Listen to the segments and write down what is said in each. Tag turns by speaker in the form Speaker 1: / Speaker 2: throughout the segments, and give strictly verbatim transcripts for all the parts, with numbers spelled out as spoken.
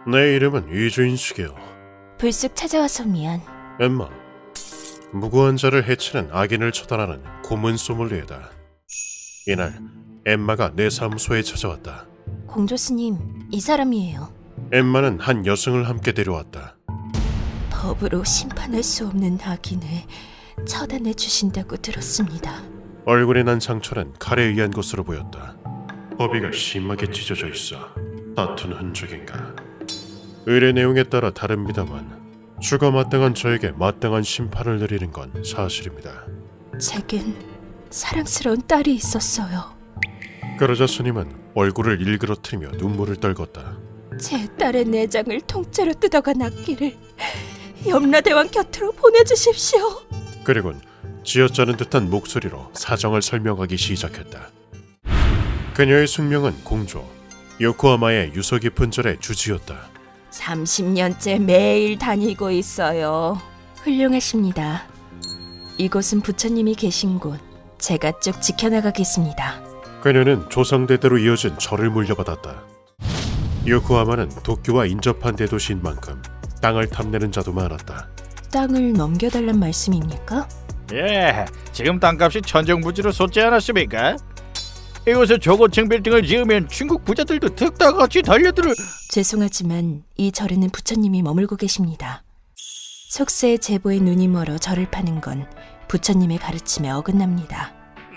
Speaker 1: 내 이름은 이주인숙이요.
Speaker 2: 불쑥 찾아와서 미안.
Speaker 1: 엠마, 무고한 자를 해치는 악인을 처단하는 고문 소믈리에다. 이날 엠마가 내 사무소에 찾아왔다.
Speaker 2: 공조스님, 이 사람이에요.
Speaker 1: 엠마는 한 여성을 함께 데려왔다.
Speaker 2: 법으로 심판할 수 없는 악인을 처단해 주신다고 들었습니다.
Speaker 1: 얼굴에 난 상처는 칼에 의한 것으로 보였다. 허비가 심하게 찢어져 있어. 다툰 흔적인가. 의뢰 내용에 따라 다릅니다만 죽어 마땅한 저에게 마땅한 심판을 내리는 건 사실입니다.
Speaker 2: 제겐 사랑스러운 딸이 있었어요.
Speaker 1: 그러자 스님은 얼굴을 일그러뜨리며 눈물을 떨궜다.
Speaker 2: 제 딸의 내장을 통째로 뜯어간 악기를 염라대왕 곁으로 보내주십시오.
Speaker 1: 그리곤 쥐어짜는 듯한 목소리로 사정을 설명하기 시작했다. 그녀의 숙명은 공조, 요코하마의 유서 깊은 절의 주지였다.
Speaker 2: 삼십 년째 매일 다니고 있어요. 훌륭하십니다. 이곳은 부처님이 계신 곳. 제가 쭉 지켜나가겠습니다.
Speaker 1: 그녀는 조상대대로 이어진 절을 물려받았다. 요코하마는 도쿄와 인접한 대도시인 만큼 땅을 탐내는 자도 많았다.
Speaker 2: 땅을 넘겨달란 말씀입니까?
Speaker 3: 예, 지금 땅값이 천정부지로 솟지 않았습니까? 이곳에 저고층 빌딩을 지으면 중국 부자들도 득다같이 달려들을...
Speaker 2: 죄송하지만 이 절에는 부처님이 머물고 계십니다. 속세의 제보에 눈이 멀어 절을 파는 건 부처님의 가르침에 어긋납니다.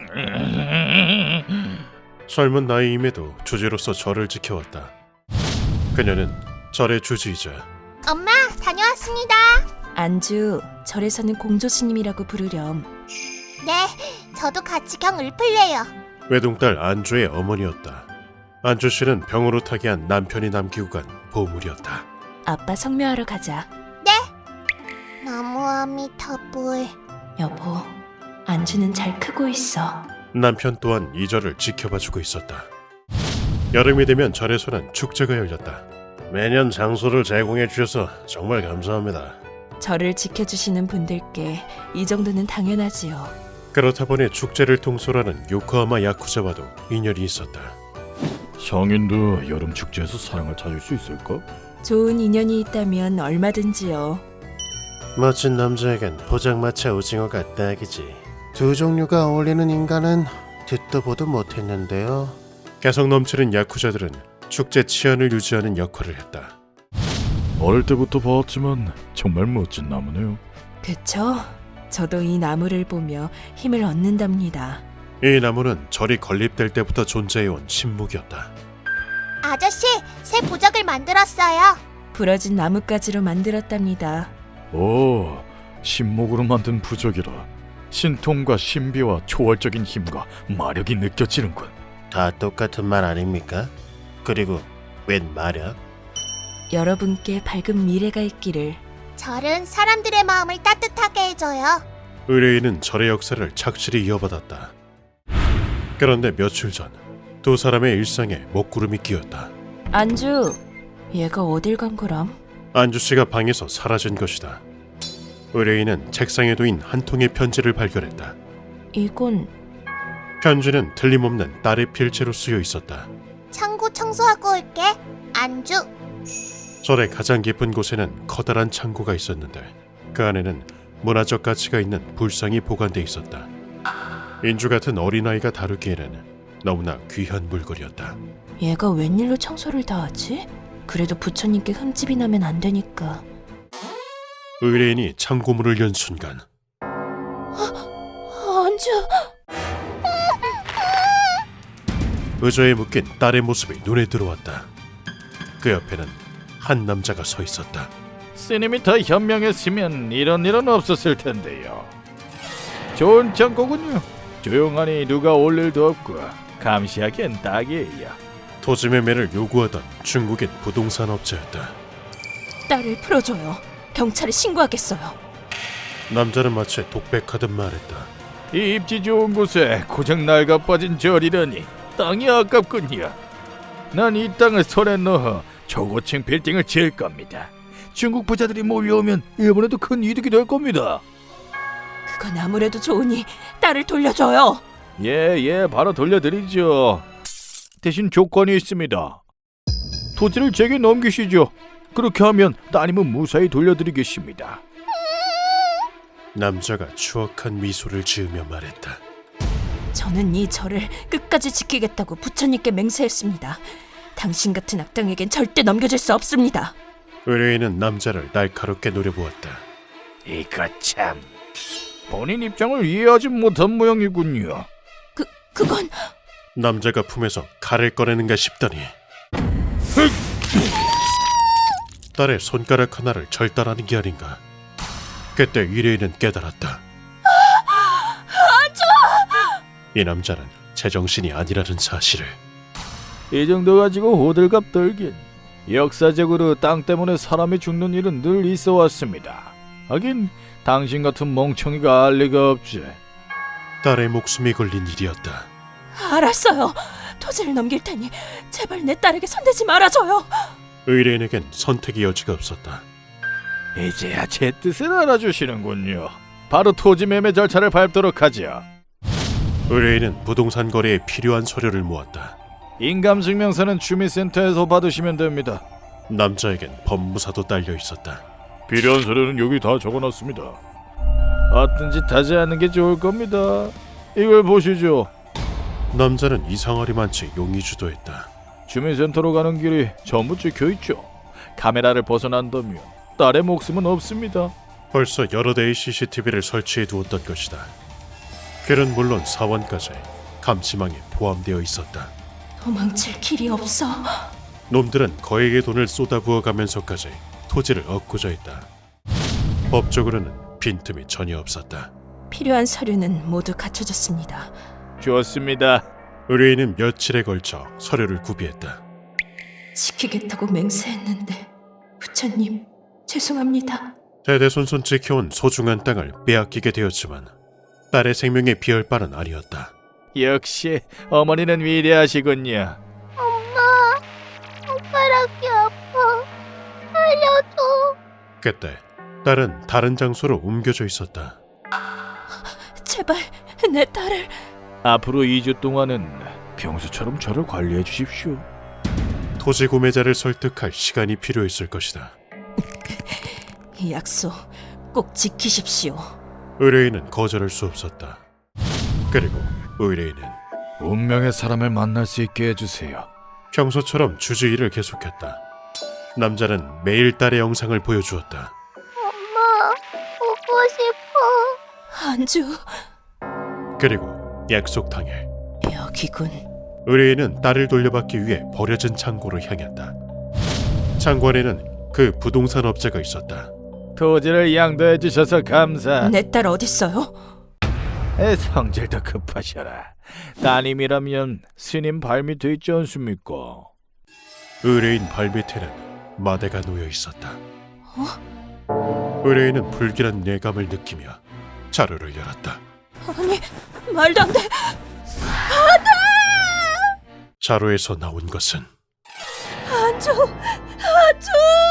Speaker 1: 젊은 나이임에도 주지로서 절을 지켜왔다. 그녀는 절의 주지이자
Speaker 4: 엄마, 다녀왔습니다.
Speaker 2: 안주, 절에서는 공조스님이라고 부르렴.
Speaker 4: 네, 저도 같이 경 읊을래요.
Speaker 1: 외동딸 안주의 어머니였다. 안주 씨는 병으로 타기한 남편이 남기고 간 보물이었다.
Speaker 2: 아빠 성묘하러 가자.
Speaker 4: 나무 아미타불.
Speaker 2: 여보, 안주는 잘 크고 있어.
Speaker 1: 남편 또한 이 절을 지켜봐주고 있었다. 여름이 되면 절에서는 축제가 열렸다. 매년 장소를 제공해 주셔서 정말 감사합니다.
Speaker 2: 절을 지켜주시는 분들께 이 정도는 당연하지요.
Speaker 1: 그렇다 보니 축제를 통솔하는 요코하마 야쿠자와도 인연이 있었다.
Speaker 3: 성인도 여름 축제에서 사랑을 찾을 수 있을까?
Speaker 2: 좋은 인연이 있다면 얼마든지요.
Speaker 1: 멋진 남자에겐 포장마차 오징어가 딱이지. 두 종류가 어울리는 인간은 듣도 보도 못했는데요. 개성 넘치는 야쿠자들은 축제 치안을 유지하는 역할을 했다.
Speaker 3: 어릴 때부터 봤지만 정말 멋진 나무네요.
Speaker 2: 그쵸? 저도 이 나무를 보며 힘을 얻는답니다.
Speaker 1: 이 나무는 절이 건립될 때부터 존재해온 신목이었다.
Speaker 4: 아저씨, 새 부적을 만들었어요.
Speaker 2: 부러진 나뭇가지로 만들었답니다.
Speaker 3: 오, 신목으로 만든 부적이라 신통과 신비와 초월적인 힘과 마력이 느껴지는군.
Speaker 1: 다 똑같은 말 아닙니까? 그리고 웬 마력?
Speaker 2: 여러분께 밝은 미래가 있기를.
Speaker 4: 절은 사람들의 마음을 따뜻하게 해줘요.
Speaker 1: 의뢰인은 절의 역사를 착실히 이어받았다. 그런데 며칠 전 두 사람의 일상에 먹구름이 끼었다.
Speaker 2: 안주, 얘가 어딜 간 거람?
Speaker 1: 안주 씨가 방에서 사라진 것이다. 의뢰인은 책상에 놓인 한 통의 편지를 발견했다.
Speaker 2: 이건
Speaker 1: 편지는 틀림없는 딸의 필체로 쓰여 있었다.
Speaker 4: 창고 청소하고 올게. 안주.
Speaker 1: 절의 가장 깊은 곳에는 커다란 창고가 있었는데 그 안에는 문화적 가치가 있는 불상이 보관돼 있었다. 인주 같은 어린아이가 다루기에는 너무나 귀한 물건이었다.
Speaker 2: 얘가 웬일로 청소를 다 하지? 그래도 부처님께 흠집이 나면 안 되니까.
Speaker 1: 의뢰인이 창고문을 연 순간
Speaker 2: 안주!
Speaker 1: 의자에 묶인 딸의 모습이 눈에 들어왔다. 그 옆에는 한 남자가 서 있었다.
Speaker 3: 스님이 더 현명했으면 이런 일은 없었을 텐데요. 좋은 창고군요. 조용하니 누가 올 일도 없고 감시하기엔 딱이에요.
Speaker 1: 토지 매매를 요구하던 중국인 부동산 업자였다.
Speaker 2: 딸을 풀어줘요. 경찰에 신고하겠어요.
Speaker 1: 남자는 마치 독백하듯 말했다.
Speaker 3: 이 입지 좋은 곳에 고작 낡아 빠진 절이라니 땅이 아깝군요. 난 이 땅을 손에 넣어 저고층 빌딩을 지을 겁니다. 중국 부자들이 몰려오면 이번에도 큰 이득이 될 겁니다.
Speaker 2: 그건 아무래도 좋으니 딸을 돌려줘요.
Speaker 3: 예, 예, 바로 돌려드리죠. 대신 조건이 있습니다. 토지를 제게 넘기시죠. 그렇게 하면 따님은 무사히 돌려드리겠습니다.
Speaker 1: 남자가 추악한 미소를 지으며 말했다.
Speaker 2: 저는 이 절을 끝까지 지키겠다고 부처님께 맹세했습니다. 당신 같은 악당에겐 절대 넘겨줄 수 없습니다.
Speaker 1: 의뢰인은 남자를 날카롭게 노려보았다.
Speaker 3: 이거 참 본인 입장을 이해하지 못한 모양이군요.
Speaker 2: 그, 그건...
Speaker 1: 남자가 품에서 칼을 꺼내는가 싶더니 딸의 손가락 하나를 절단하는 게 아닌가. 그때 의뢰인은 깨달았다. 이 남자는 제정신이 아니라는 사실을.
Speaker 3: 이 정도 가지고 호들갑 떨긴. 역사적으로 땅 때문에 사람이 죽는 일은 늘 있어 왔습니다. 하긴 당신 같은 멍청이가 알 리가 없지.
Speaker 1: 딸의 목숨이 걸린 일이었다.
Speaker 2: 알았어요. 토지를 넘길 테니 제발 내 딸에게 손대지 말아줘요.
Speaker 1: 의뢰인에겐 선택의 여지가 없었다.
Speaker 3: 이제야 제 뜻을 알아주시는군요. 바로 토지 매매 절차를 밟도록 하죠.
Speaker 1: 의뢰인은 부동산 거래에 필요한 서류를 모았다.
Speaker 3: 인감증명서는 주민센터에서 받으시면 됩니다.
Speaker 1: 남자에겐 법무사도 딸려 있었다.
Speaker 3: 필요한 서류는 여기 다 적어놨습니다. 어떤 짓 하지 않는 게 좋을 겁니다. 이걸 보시죠.
Speaker 1: 남자는 이상하리만치 용이 주도했다.
Speaker 3: 주민센터로 가는 길이 전부 찍혀있죠. 카메라를 벗어난다면 딸의 목숨은 없습니다.
Speaker 1: 벌써 여러 대의 씨씨티비를 설치해 두었던 것이다. 길은 물론 사원까지 감시망에 포함되어 있었다.
Speaker 2: 도망칠 길이 없어.
Speaker 1: 놈들은 거액의 돈을 쏟아부어가면서까지 토지를 얻고자 했다. 법적으로는 빈틈이 전혀 없었다.
Speaker 2: 필요한 서류는 모두 갖춰졌습니다.
Speaker 3: 좋습니다.
Speaker 1: 의뢰인은 며칠에 걸쳐 서류를 구비했다.
Speaker 2: 지키겠다고 맹세했는데 부처님 죄송합니다.
Speaker 1: 대대손손 지켜온 소중한 땅을 빼앗기게 되었지만 딸의 생명에 비할 바는 아니었다.
Speaker 3: 역시 어머니는 위대하시군요.
Speaker 4: 엄마, 손가락이 아파. 살려줘.
Speaker 1: 그때 딸은 다른 장소로 옮겨져 있었다.
Speaker 2: 제발 내 딸을...
Speaker 3: 앞으로 이 주 동안은 평소처럼 저를 관리해 주십시오.
Speaker 1: 토지 구매자를 설득할 시간이 필요했을 것이다.
Speaker 2: 이 약속 꼭 지키십시오.
Speaker 1: 의뢰인은 거절할 수 없었다. 그리고 의뢰인은
Speaker 3: 운명의 사람을 만날 수 있게 해주세요.
Speaker 1: 평소처럼 주주일을 계속했다. 남자는 매일 딸의 영상을 보여주었다.
Speaker 4: 엄마, 보고 싶어.
Speaker 2: 안주...
Speaker 1: 그리고 약속 당일
Speaker 2: 여기군.
Speaker 1: 의뢰인은 딸을 돌려받기 위해 버려진 창고로 향했다. 창고 안에는 그 부동산 업자가 있었다.
Speaker 3: 토지를 양도해 주셔서 감사.
Speaker 2: 내 딸 어딨어요?
Speaker 3: 에, 성질도 급하셔라. 따님이라면 스님 발밑에 있지 않습니까?
Speaker 1: 의뢰인 발밑에는 마대가 놓여 있었다. 의뢰인은 불길한 예감을 느끼며 자루를 열었다.
Speaker 2: 아니, 말도 안 돼.
Speaker 1: 자루에서 나온 것은
Speaker 2: 안주, 안주.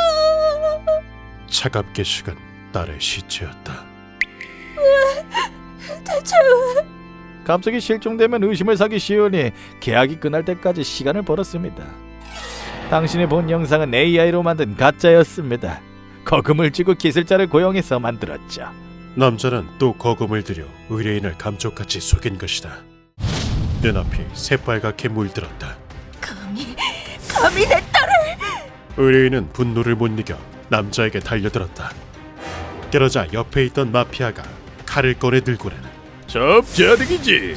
Speaker 1: 차갑게 식은 딸의 시체였다.
Speaker 2: 대체 왜?
Speaker 3: 갑자기 실종되면 의심을 사기 쉬우니 계약이 끝날 때까지 시간을 벌었습니다. 당신이 본 영상은 에이아이로 만든 가짜였습니다. 거금을 주고 기술자를 고용해서 만들었죠.
Speaker 1: 남자는 또 거금을 들여 의뢰인을 감쪽같이 속인 것이다. 눈앞이 새빨갛게 물들었다.
Speaker 2: 감히, 감히 내 딸을...
Speaker 1: 의뢰인은 분노를 못 이겨 남자에게 달려들었다. 그러자 옆에 있던 마피아가 칼을 꺼내 들고는
Speaker 3: 접자득이지.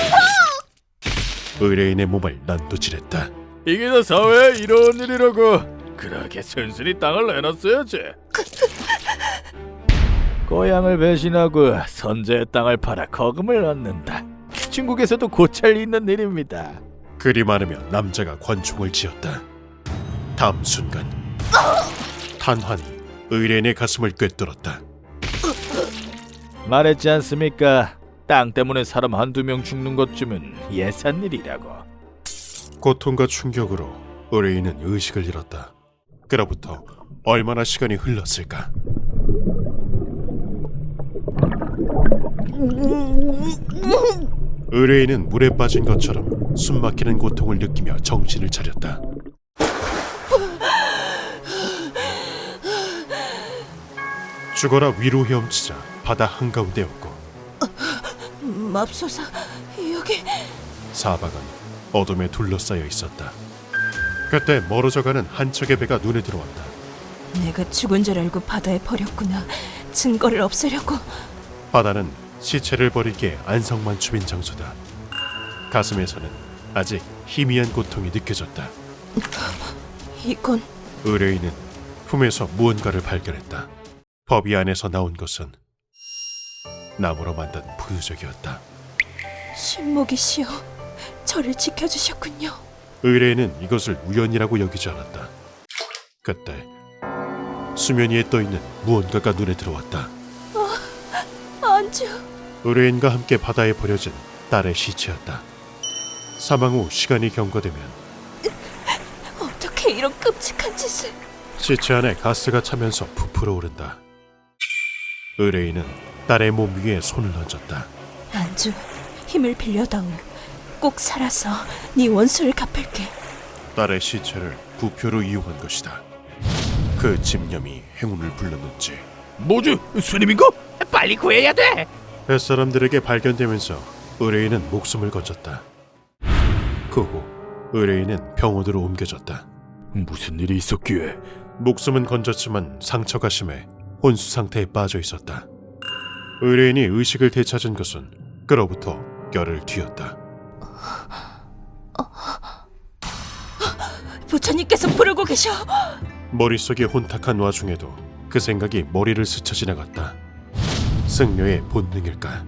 Speaker 1: 의뢰인의 몸을 난도질했다.
Speaker 3: 이게 다 사회에 이런 일이라고. 그러게 순순히 땅을 내놨어야지. 고향을 배신하고 선제의 땅을 팔아 거금을 얻는다. 중국에서도 고찰 있는 일입니다.
Speaker 1: 그리 많으며 남자가 권총을 쥐었다. 다음 순간 탄환이 의뢰인의 가슴을 꿰뚫었다.
Speaker 3: 말했지 않습니까? 땅 때문에 사람 한두 명 죽는 것쯤은 예산일이라고.
Speaker 1: 고통과 충격으로 의뢰인은 의식을 잃었다. 그로부터 얼마나 시간이 흘렀을까? 의뢰인은 물에 빠진 것처럼 숨막히는 고통을 느끼며 정신을 차렸다. 죽어라 위로 헤엄치자 바다 한가운데였고
Speaker 2: 맙소사, 여기...
Speaker 1: 사방은 어둠에 둘러싸여 있었다. 그때 멀어져가는 한 척의 배가 눈에 들어왔다.
Speaker 2: 내가 죽은 줄 알고 바다에 버렸구나. 증거를 없애려고.
Speaker 1: 바다는 시체를 버리기에 안성만춤인 장소다. 가슴에서는 아직 희미한 고통이 느껴졌다.
Speaker 2: 이건...
Speaker 1: 의뢰인은 품에서 무언가를 발견했다. 법이 안에서 나온 것은 나무로 만든 부유적이었다.
Speaker 2: 신목이시여, 저를 지켜주셨군요.
Speaker 1: 의뢰인은 이것을 우연이라고 여기지 않았다. 그때 수면 위에 떠있는 무언가가 눈에 들어왔다.
Speaker 2: 안주...
Speaker 1: 의뢰인과 함께 바다에 버려진 딸의 시체였다. 사망 후 시간이 경과되면
Speaker 2: 어떻게 이런 끔찍한 짓을...
Speaker 1: 시체 안에 가스가 차면서 부풀어 오른다. 의뢰인은 딸의 몸 위에 손을 얹었다.
Speaker 2: 안주, 힘을 빌려다오. 꼭 살아서 네 원수를 갚을게.
Speaker 1: 딸의 시체를 부표로 이용한 것이다. 그 집념이 행운을 불러넣지.
Speaker 3: 뭐지? 스님인가? 빨리 구해야 돼.
Speaker 1: 뱃사람들에게 발견되면서 의뢰인은 목숨을 건졌다. 그 후 의뢰인은 병원으로 옮겨졌다.
Speaker 3: 무슨 일이 있었기에?
Speaker 1: 목숨은 건졌지만 상처가 심해 혼수 상태에 빠져 있었다. 의뢰인이 의식을 되찾은 것은 그로부터 열흘 뒤였다.
Speaker 2: 부처님께서 부르고 계셔.
Speaker 1: 머릿속이 혼탁한 와중에도 그 생각이 머리를 스쳐 지나갔다. 승려의 본능일까?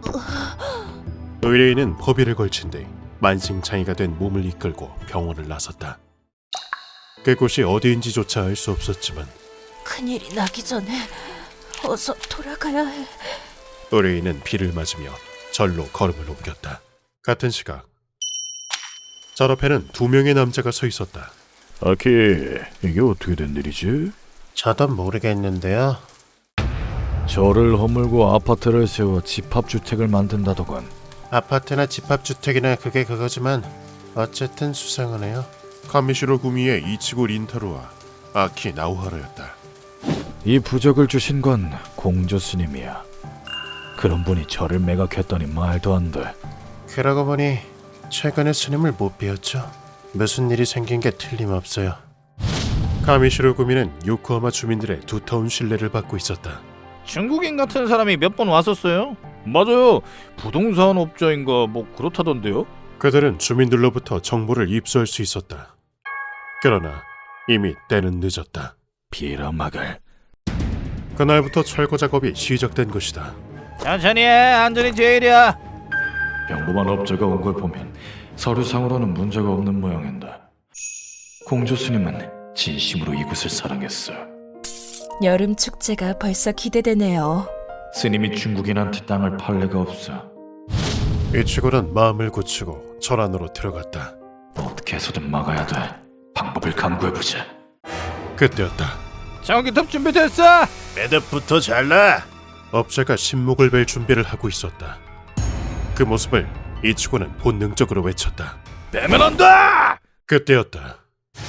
Speaker 1: 의뢰인은 법의를 걸친 뒤 만신창이가 된 몸을 이끌고 병원을 나섰다. 그곳이 어디인지조차 알 수 없었지만
Speaker 2: 큰일이 나기 전에 어서 돌아가야 해.
Speaker 1: 의뢰인은 비를 맞으며 절로 걸음을 옮겼다. 같은 시각 절 앞에는 두 명의 남자가 서 있었다.
Speaker 3: 아키, 이게 어떻게 된 일이지?
Speaker 1: 저도 모르겠는데요.
Speaker 3: 절을 허물고 아파트를 세워 집합주택을 만든다더군.
Speaker 1: 아파트나 집합주택이나 그게 그거지만 어쨌든 수상하네요. 카미시로 구미의 이치고 린타로와 아키 나우하라였다.
Speaker 3: 이 부적을 주신 건 공조 스님이야. 그런 분이 절을 매각했더니 말도 안 돼.
Speaker 1: 그러고 보니 최근에 스님을 못 뵈었죠. 무슨 일이 생긴 게 틀림없어요. 카미시로 구미는 요코하마 주민들의 두터운 신뢰를 받고 있었다.
Speaker 3: 중국인 같은 사람이 몇 번 왔었어요. 맞아요. 부동산 업자인가 뭐 그렇다던데요.
Speaker 1: 그들은 주민들로부터 정보를 입수할 수 있었다. 그러나 이미 때는 늦었다.
Speaker 3: 비라막을.
Speaker 1: 그날부터 철거 작업이 시작된 것이다.
Speaker 3: 천천히 해. 안전이 제일이야. 평범한 업자가 온 걸 보면 서류상으로는 문제가 없는 모양인데 공조 스님은 진심으로 이곳을 사랑했어.
Speaker 2: 여름 축제가 벌써 기대되네요.
Speaker 3: 스님이 중국인한테 땅을 팔 리가 없어.
Speaker 1: 이치고는 마음을 굳히고 절 안으로 들어갔다.
Speaker 3: 어떻게 해서든 막아야 돼. 방법을 강구해보자.
Speaker 1: 그때였다.
Speaker 3: 전기톱 준비됐어.
Speaker 1: 매듭부터 잘라. 업자가 신목을 벨 준비를 하고 있었다. 그 모습을 이치고는 본능적으로 외쳤다.
Speaker 3: 빼면 안 돼.
Speaker 1: 그때였다.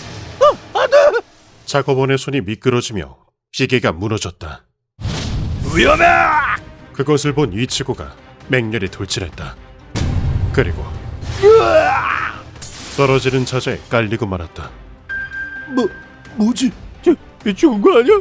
Speaker 1: 작업원의 손이 미끄러지며 시계가 무너졌다.
Speaker 3: 위험해.
Speaker 1: 그것을 본 이치고가 맹렬히 돌진했다. 그리고 떨어지는 자재에 깔리고 말았다.
Speaker 3: 뭐 뭐지? 저 죽은 거 아니야?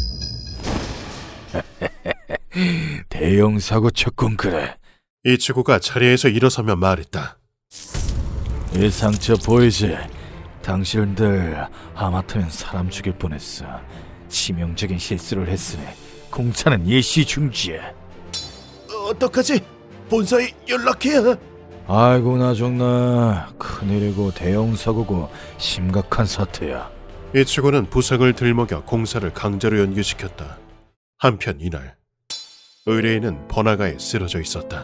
Speaker 3: 대형 사고 쳤군 그래.
Speaker 1: 이치고가 자리에서 일어서며 말했다.
Speaker 3: 이 상처 보이지? 당신들 하마터면 사람 죽일 뻔했어. 치명적인 실수를 했으니 공차는 일시 중지야.
Speaker 1: 어떡하지? 본사에 연락해야.
Speaker 3: 아이고 나정나. 큰일이고 대형 사고고 심각한 사태야.
Speaker 1: 이치고는 부상을 들먹여 공사를 강제로 연기시켰다. 한편 이날 의뢰인은 번화가에 쓰러져 있었다.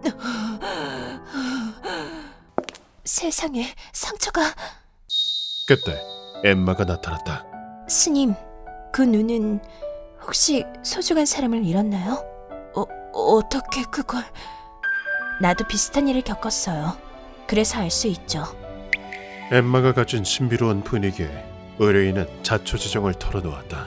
Speaker 2: 세상에, 상처가...
Speaker 1: 그때 엠마가 나타났다.
Speaker 2: 스님, 그 눈은 혹시 소중한 사람을 잃었나요? 어, 어떻게 그걸... 나도 비슷한 일을 겪었어요. 그래서 알 수 있죠.
Speaker 1: 엠마가 가진 신비로운 분위기에 의뢰인은 자초지종을 털어놓았다.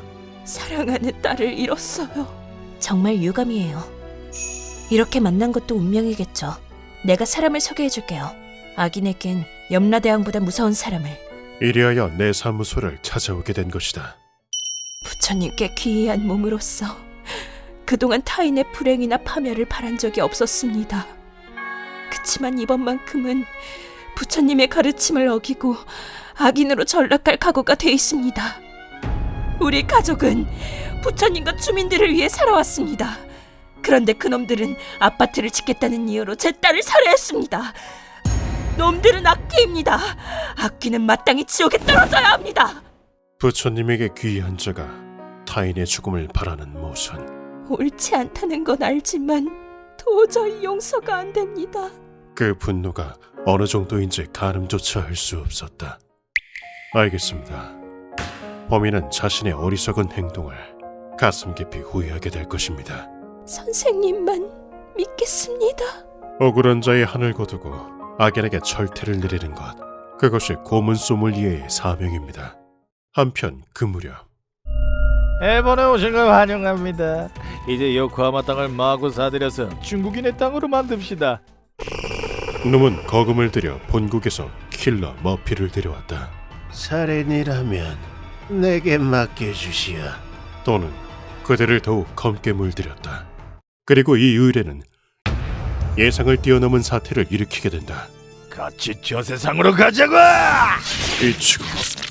Speaker 2: 사랑하는 딸을 잃었어요. 정말 유감이에요. 이렇게 만난 것도 운명이겠죠. 내가 사람을 소개해줄게요. 악인에겐 염라대왕보다 무서운 사람을.
Speaker 1: 이리하여 내 사무소를 찾아오게 된 것이다.
Speaker 2: 부처님께 귀의한 몸으로서 그동안 타인의 불행이나 파멸을 바란 적이 없었습니다. 그치만 이번만큼은 부처님의 가르침을 어기고 악인으로 전락할 각오가 돼 있습니다. 우리 가족은 부처님과 주민들을 위해 살아왔습니다. 그런데 그놈들은 아파트를 짓겠다는 이유로 제 딸을 살해했습니다. 놈들은 악귀입니다. 악귀는 마땅히 지옥에 떨어져야 합니다.
Speaker 1: 부처님에게 귀의한 자가 타인의 죽음을 바라는 모순.
Speaker 2: 옳지 않다는 건 알지만 도저히 용서가 안 됩니다.
Speaker 1: 그 분노가 어느 정도인지 가늠조차 할 수 없었다. 알겠습니다. 범인은 자신의 어리석은 행동을 가슴 깊이 후회하게 될 것입니다.
Speaker 2: 선생님만 믿겠습니다.
Speaker 1: 억울한 자의 한을 거두고 악인에게 철퇴를 내리는 것, 그것이 고문 소믈리에의 사명입니다. 한편 그 무렵
Speaker 3: 일본에 오신 걸 환영합니다. 이제 요코하마 땅을 마구 사들여서 중국인의 땅으로 만듭시다.
Speaker 1: 놈은 거금을 들여 본국에서 킬러 머피를 데려왔다.
Speaker 5: 살인이라면 내게 맡겨주시오.
Speaker 1: 또는 그들을 더욱 검게 물들였다. 그리고 이 의뢰는 예상을 뛰어넘은 사태를 일으키게 된다.
Speaker 3: 같이 저 세상으로 가자고!
Speaker 1: 이치고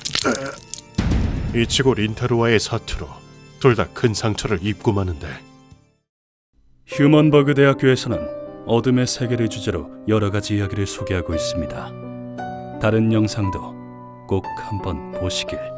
Speaker 1: 이치고 린타루와의 사투로 둘 다 큰 상처를 입고 마는데,
Speaker 6: 휴먼버그 대학교에서는 어둠의 세계를 주제로 여러 가지 이야기를 소개하고 있습니다. 다른 영상도 꼭 한번 보시길.